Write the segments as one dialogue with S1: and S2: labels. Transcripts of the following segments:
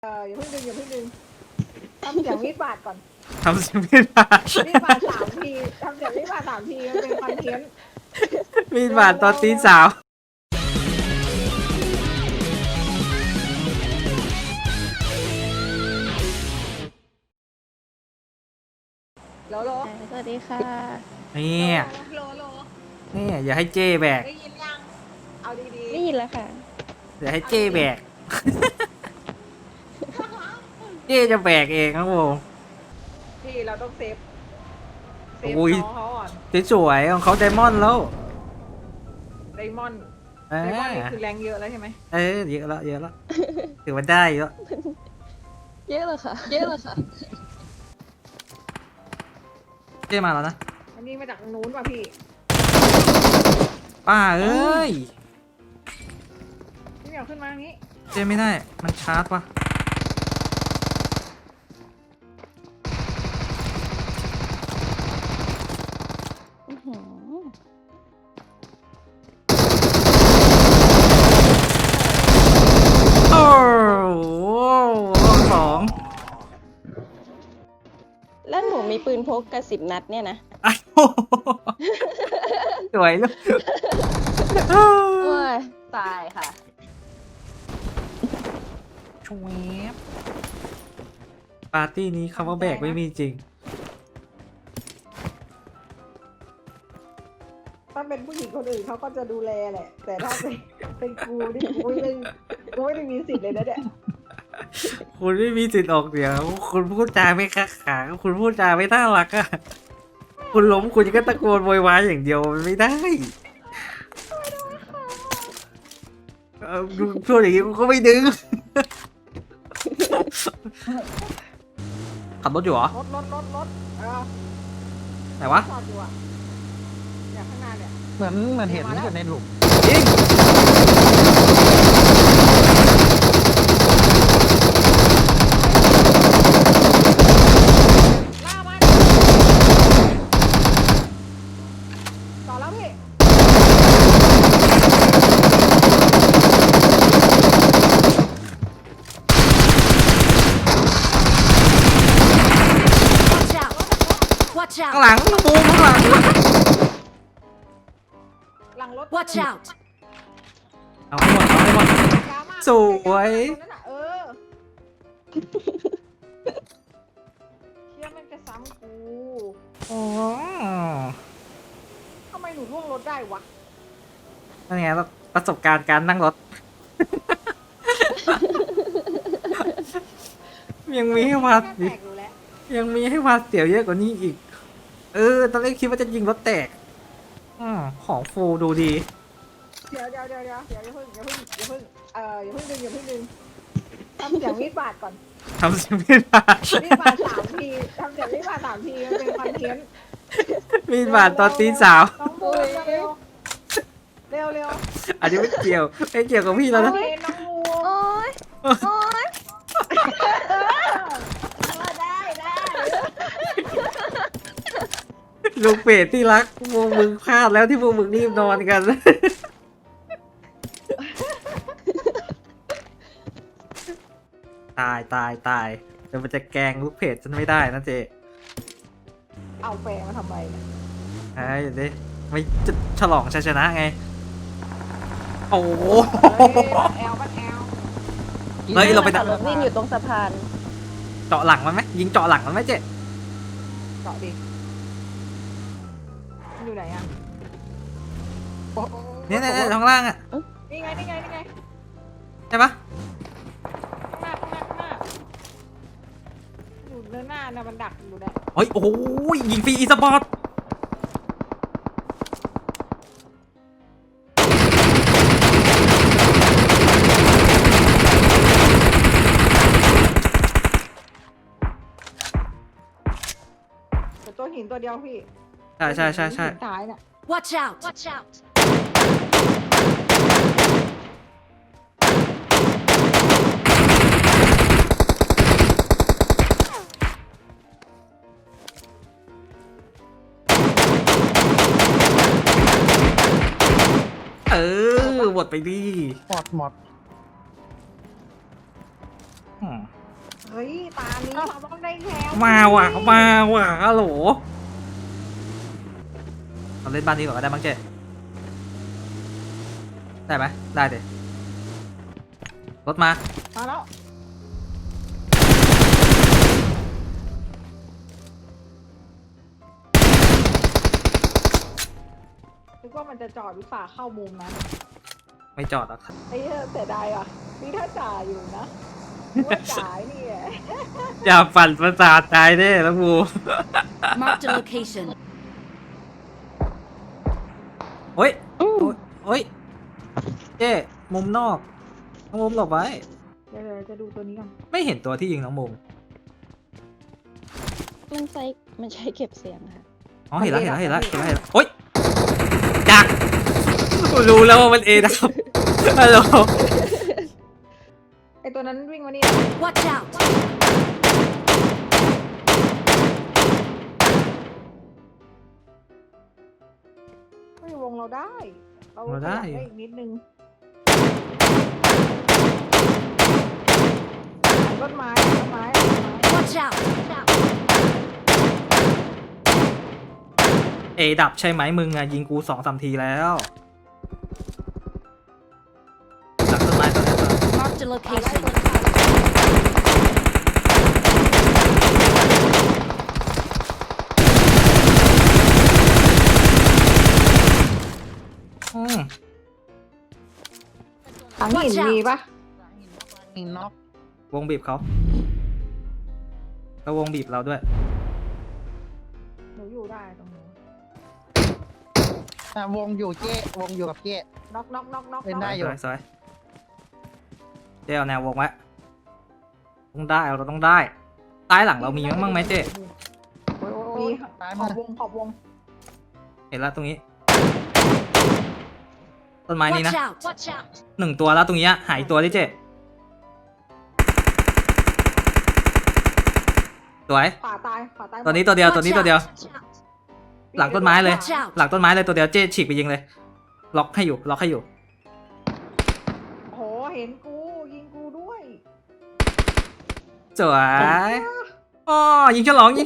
S1: อย่าเพิ่งดึงทำเสียงมีดบาดก่อน
S2: ทำเสียงมีดบาด
S1: มีดบาด3 ทีทำเสียงมีดบาด3 ทีมันเป็นคอนเทนต์
S2: มีดบาดตอนตีสาว
S1: โลโล
S3: สวัสดีค่ะ
S2: นี่
S1: โล
S2: นี่อย่าให้เจ้แบก
S1: ได้ยินยังเอาดี
S3: ได้ยินแล้วค่ะ
S2: อย่าให้เจ้แบกเจ้จะแบกเองครับผม
S1: ๆพี่เราต้องเซฟน้องเขาก่อน
S2: สวยๆของเขาไดมอนด์แล้ว
S1: ไดมอนด์นี่คือแรงเยอะแล้วใช่ไหม
S2: เยอะแล้วถือว่าได้เยอะ
S3: เยอะเลยค่ะ
S2: เจ้มาแล้วนะ
S1: อันนี้มาจากนู้นป่ะพี่
S2: ป้าเอ้ย
S1: พี่เหมียวขึ้นมาอย่างนี้
S2: เจ้ไม่ได้มันชาร์จว่ะโอ้โหสอง
S3: แล้วหนูมีปืนพกกระ10 นัดเนี่ยนะ
S2: สวยลูก
S3: โอ้ยตายค่ะ
S2: ชวบปาร์ตี้นี้คำว่าแบกไม่มีจริง
S1: ถ้าเป็นผู้หญิงคนอื่นเขาก็จะดูแลแหละแต่ถ้าเป็นกูนี่กูไม่ได้มีสิทธิ์เลยนะเนี่ย
S2: คุณไม่มีสิทธิ์ออกเสียงคุณพูดจาไม่คักขาคุณพูดจาไม่น่ารักอ่ะคุณล้มคุณก็ตะโกนโวยวายอย่างเดียวมันไม่ได้ดูพูดอย่างนี้กูก็ไม่ดึงขับรถอยู่เหรอ
S1: รถ
S2: ไหนวะ
S1: จอดอยู่อ่ะอย่างข้างหน้าเนี่ย
S4: เหมือนเห็นอยู่ในหลุม
S2: ยิง
S1: ล่ามันต่อแล้วพี่
S2: ข้างหลังบูมข้างหลัง
S1: หลังรถ
S3: Watch out
S2: เอาให้หมดสวย
S1: เชื่อมันจะซ้ำกู
S2: อ๋อ
S1: ทำไมหนูล่วงรถได้วะ
S2: นั่นไงประสบการณ์การนั่งรถ ยังมีให้วัด
S1: แตกอยู่แล้ว
S2: ยังมีให้วัดเสียวเยอะกว่านี้อีกตอนแรกคิดว่าจะยิงรถแตกของฟูดูดี
S1: เดี๋ยวอย่าเพิ่งอย่าเพิ่งดึงทำเสียงมีดบาดก่อน
S2: ทำเสียงมีดบาด
S1: มีดบาด3 ทีทำเสียงมีดบาด3 ทีมันเป็นคอนเทนต์
S2: มีดบาดตอนตีสาว
S1: น้องมูเร็ว
S2: อันนี้ไม่เกี่ยวกับพี่แล้วนะ
S1: น้องมู
S3: โอ๊ย
S1: ได้
S2: ลูกเป็ดที่รักพวกมึงพลาดแล้วที่พวกมึงรีบนอนกัน ตายเดี๋ยวมันจะแกงลูกเพจฉันไม่ได้นะเจ
S1: เอาแปลมาทำไมเนี่ย
S2: เดี๋ยวดิไม่จะฉลองชัยชนะไงโอ้โห
S1: บ้านแอล
S2: เฮ้ยเราไป
S3: ขับรถวิ่งอยู่ตรงสะพาน
S2: เจาะหลังมันไหมยิงเจาะหลังมันไหมเจ๊
S1: เกาะดิอยู่ไหนอ่ะ
S2: เนี่ยข้างล่างอ่ะ
S1: นี่ไง
S2: ใช่ปะ
S1: ข้างหน้าอยู่เนื้อหน้านะมันดักอยู่เนี่ย
S2: โอ้โหยิงฟรีอีสปอร์ต
S1: ตัวหินตัวเดียวพี่
S2: ใช่
S1: ตายน่ะ
S3: Watch out
S2: หมดไปดิ
S4: หมด
S2: อืม
S1: เฮ้ยตานี้เราต้องได้แชมป์
S2: มาว่ะฮัลโหลเราเล่นบ้านนี้ก่อนก็ได้มั้งเจ๊ได้ไหมได้เด็รถมา
S1: มาแล้วนึกว่ามันจะจอดหรือฝ่าเข้ามุมนั้น
S2: ไม่จอดหรอก
S1: ไอ้เหี้ยเสียดายอ่ะนี่ถ้าจ่ายอยู่นะว่าจ่ายนี่แหละ
S2: อย่าปั่นประสาทตายเด้แล้วกู
S5: Marked a location.
S2: โอ้ยโอ้ยเจ๊มุมนอกน้องมุมหลบไว้
S1: เดี๋ยวจะดูตัวนี้ก่อน
S2: ไม่เห็นตัวที่ยิงน้องมุม
S3: มันใช้เก็บเสียงค่ะ
S2: อ๋อเห็นแล้วโอ๊ยจักรู้แล้วว่ามันเอดับฮัลโหล
S1: ไอ้ตัวนั้นวิ่งมานี่
S5: Watch out!
S1: ไม่วงเราได้ เราขยับได้อีกนิดนึงต้นไม้
S5: Watch out!
S2: เอดับใช่ไหมมึงอะยิงกู2-3 ทีแล้วหลังต้นไม้ตัวนี้ตัว
S5: Marked a location.
S2: อืม
S1: ถังหินมีปะ
S4: หินน็อก
S2: วงบีบเขาแล้ววงบีบเราด้วย
S1: หนูอยู่ได้ตรงนี้
S4: วงอยู่เจ๊วงอยู่กับเจ๊
S1: น็อก
S4: เล่นได้ อยู่
S2: สวยเจ๊เอาแนววงไว้ต้องได้เราต้องได้ซ้ายหลังเรามีมั้งไหมเจ๊
S1: มี
S4: ซ้าย
S1: ข
S4: มื
S1: อ
S4: อบ
S1: วง
S2: เห็นแล้วตรงนี้ต้นไม้นี้
S5: Watch
S2: นะ
S5: out! Watch out!
S2: 1 ตัวแล้วตรงนี้หายตัวดิเจ๊สวย
S1: ขวาตาย
S2: ตัวนี้ตัวเดียว
S5: Watch
S2: ตัวนี้ตัวเดียว
S5: out.
S2: หลังต้นไม้เลย
S5: Watch out!
S2: หลังต้นไม้เลยตัวเดียวเจ๊ฉีกไปยิงเลย ล็อกให้อยู่
S1: โหเห็นกูยิงกูด้วย
S2: สวยอ๋อยิงฉลอง
S1: เจ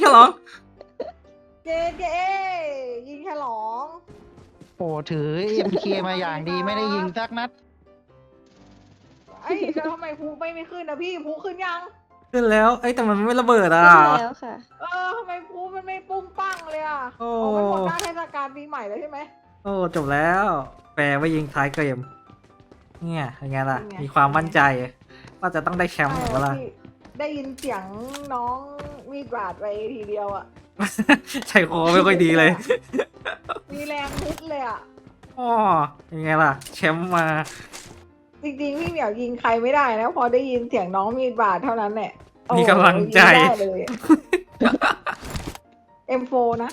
S1: ยิงฉลอง
S4: โอ้ถือ MK มาอย่างดีไม่ได้ยิงสักนัด
S1: ไอ้แล้วทำไมภูไม่ขึ้นนะพี่ภูขึ้นยัง
S2: ขึ้นแล้วเอ้ยแต่มันไม่ระเบิดอ่ะ
S3: แล้วค่ะ
S1: ทำไมภูมันไม่ปุ้งปั้งเลยอ่ะ
S2: โอ้
S1: มันหมดหน้าเทศกาลปีใหม่แล้วใช่ไหม
S2: โอ้จบแล้ว แปลว่ายิงท้ายเกมเนี่ยยังไงล่ะ
S1: เป็นไง
S2: มีความมั่นใจว่าจะต้องได้แชมป์หรือเปล่า
S1: พี่ได้ยินเสียงน้องมีดบาดไปทีเดียวอ่ะ
S2: ใจคอไม่ค่อยดีเลย
S1: มีแรงพุดเลยอ่ะ
S2: อ๋อยังไงล่ะแชมป์มา
S1: จริงๆพี่เหมียวยิงใครไม่ได้นะพอได้ยินเสียงน้องมีดบาดเท่านั้นแหละโอ้
S2: มีกำลังใจ
S1: ยิงได้เลย M4 นะ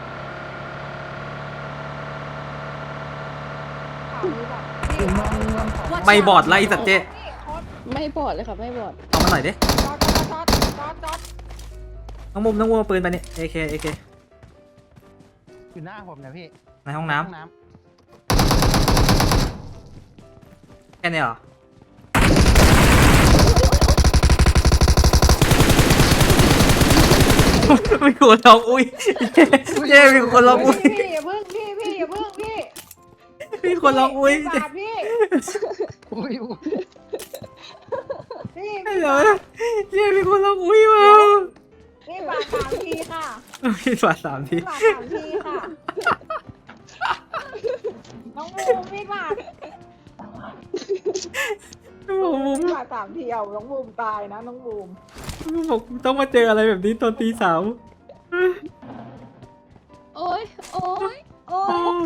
S1: ข่าวนี้แบบพี่
S5: Watch
S2: ไม่
S5: out.
S2: บอดไล่สัตว์เจ๊
S3: ไม่บอดเลยค่ะ ไม่บอด
S2: เอามาหน่อยดิ
S1: จอด
S2: น้องมุมเอาปืนไปนี่ AK
S4: อยู่หน้าผมนะพี่
S2: ในห้องน้ำ
S4: ห้องน้
S2: แค่นี้เหรอ มีคนร้องอุ้ยเจ๊มีคนร้องอุ้ย
S1: พี่อย่าเพิ่งพี่อย่าเพิ่งพี่
S2: มีคนร้องอุ้ย
S1: มีดบาดพี่
S4: ำอุ้ย
S1: พี่
S2: ฮัลโหลเจ๊มีคนร้องอุ้ยมา
S1: มีดบาด3 ทีค่ะ
S2: มีฝา3 ที
S1: มีดบาด3 ทีค่ะ น้องบูมมีดบาด
S2: มุม
S1: มีดบาด3 ทีเอาน้องบูมตายนะน้องบูม
S2: บอกต้องมาเจออะไรแบบนี้ตอนตี 3
S3: โอ้ย โอ้ย โอ้
S2: โอ้
S3: ย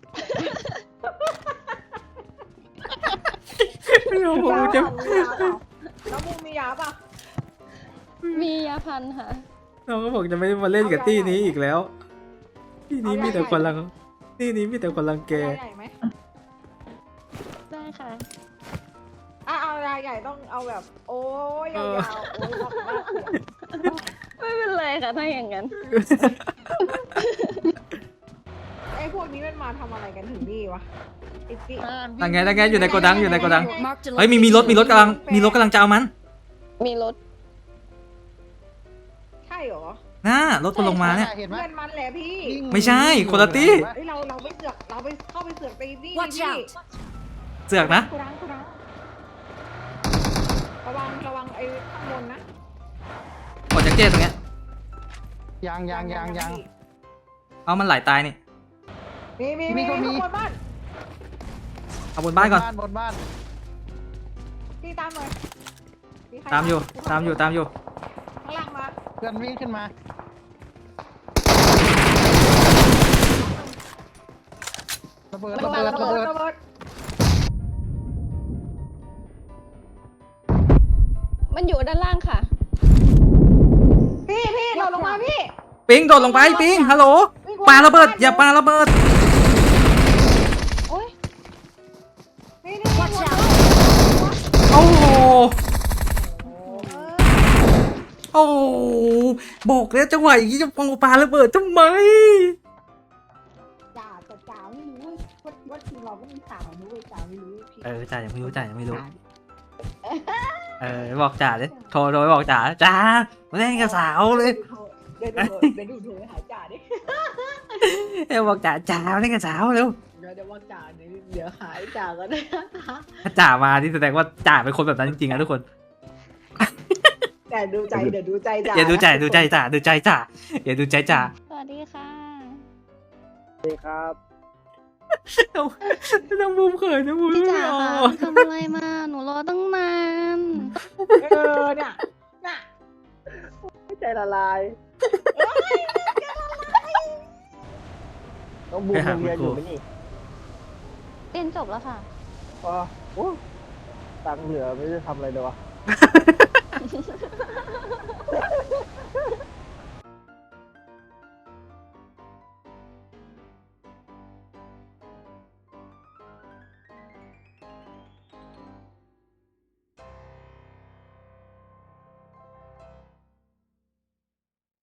S2: ไม่เอาผมจะ
S1: น้องบูมมียาป่ะ
S3: มียาพันค่ะ
S2: น้องก็บอกจะไม่มาเล่นกับตี้นี้อีกแล้วตี้นี้มีแต่คนรังตี้นี้มีแต่คนรังแก
S1: ยาใหญ่ไหม
S3: ได้ค่ะ
S1: เอายาใหญ่ต้องเอาแบบ โอ้ยยาวๆโอ้ยน่าเสีย
S3: ไม่เป็นไรค่ะ ถ้าอย่างนั้น
S1: ไอ้พวกนี้มันมาทำอะไรกันถึงนี่วะไอ้ปิ๊
S2: นั่นไงอยู่ในโกดัง
S5: Marked a
S2: เฮ้ยมีรถ
S5: location.
S2: กำลังจะเอามัน
S3: มีรถ
S1: ใช่เหรอ
S2: น่ารถมันลงมาเนี่ย
S4: เห็นไหม
S1: เพื่อนมันแหละพี่
S4: วิ่ง
S2: ไม่ใช่คนละตี้
S1: เฮ้ยเราไม่เสือกเราไปเข้าไปเสือกตีนี่
S5: Watch
S1: พี่
S5: out
S2: เสือกนะ
S1: กูรังระวังไอ้ข้างบนนะ
S2: กดจากเจ๊ตรงเนี้ย
S4: ยัง
S2: เอามันไหลตายนี่
S1: มี
S4: มีก็มี
S1: ข้างบนบ้าน
S2: เอาบนบ้านก่อน
S4: บนบ้าน
S1: พี่ตามหน่อยมีใคร
S2: ตามอยู่
S1: ข้างล่างมา
S4: เพื่อนวิ่งขึ้นมาระเบิด
S1: ระเบิด
S3: มันอยู่ด้านล่างค่ะ
S1: พี่เราลงมาพี่
S2: ปิงโดดลงไปปิงฮัลโหลปาระเบิดอย่าปาระเบิด
S3: โอ้ย
S1: นี่
S5: Watch out
S2: โอ้โหโอ้โหบอกแล้วจังหวะอย่างนี้จะปองปาระเบิดทำไม
S1: จ่าไม่รู้ว่าทีมเราก็มีสาวนู้นจ่าไม่รู้พี่
S2: จ่ายังไม่รู้จ่ายังไม่รู้บอกจ่าเลยโทรไปบอกจ่าจ่ามาเล่นกับสาวเลย
S1: เดี๋ยวดูโทรหาจ่าดิ
S2: บอกจ่ามาเล่นกับสาวเร็ว
S1: เดี๋ยวว่าจ่าเดี๋ยวหายจ่าก็ได้
S2: ถ้าจ่ามาที่แสดงว่าจ่าเป็นคนแบบนั้นจริงๆนะทุกคน
S1: แต่ดูใจเดี๋ยวดูใจจ่า
S2: อย่าดูใจจ่าดูใจจ่าอย่าดูใจจ่า
S3: สวัสดีค่ะ
S2: น้องบูมเขินนะบูม
S3: พี่
S2: ไม่
S3: จ๋า
S2: อ
S3: ค่ะ
S2: อก
S3: ทำอะไรมา หนูรอตั้งนาน
S1: เนี่ยใจละลาย
S6: ต้องบูมเรียนอยู่ไหมนี่
S3: เรียนจบแล้วค่ะ
S6: อ๋อโอ้ตังค์เหลือไม่ได้ทำอะไรเลยวะ